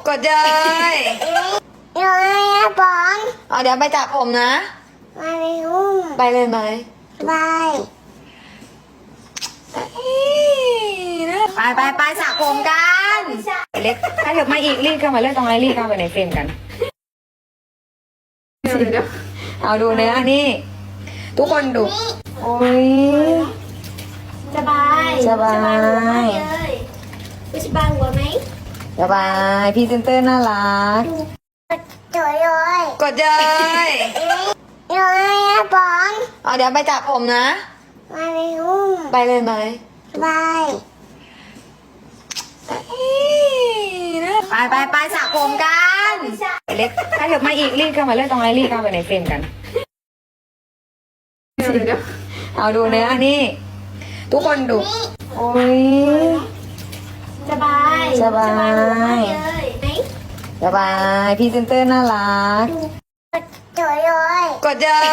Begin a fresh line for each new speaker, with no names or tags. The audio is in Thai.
กดเลย
น้อยนะบอล
เอาเดี๋ยวไปจับผมนะ
มาไปอุ้ม
ไปเลยไหม
ไป
ไปสระผมกันเล็กถ้าเดี๋ยวมาอีกรีบเข้ามาเลือกตรงไหนรีบเข้าไปในเฟรมกันเอาดูเนื้อนี่ทุกคนดูโอ้ย
สบาย
สบาย
เลยสบายหัวไหม
สบายพรีเซนเตอร์น่ารัก
กดเลย
กดเลย
น้อยนะบอล
เอาเดี๋ยวไปจับผมนะ
มาไปอุ้ม
ไปเลยไหม
ไป
ไปสระผมกันเล็กถ้าเดี๋ยวมาอีกรีบเข้ามาเลือกตรงไหนรีบเข้าไปในเฟรมกันเอาดูเนื้อนี่ทุกคนดูโอ้ย
สบาย
สบาย
เลยไหม
สบายพรีเซนเตอร์น่ารัก
กดเลย
กดเลย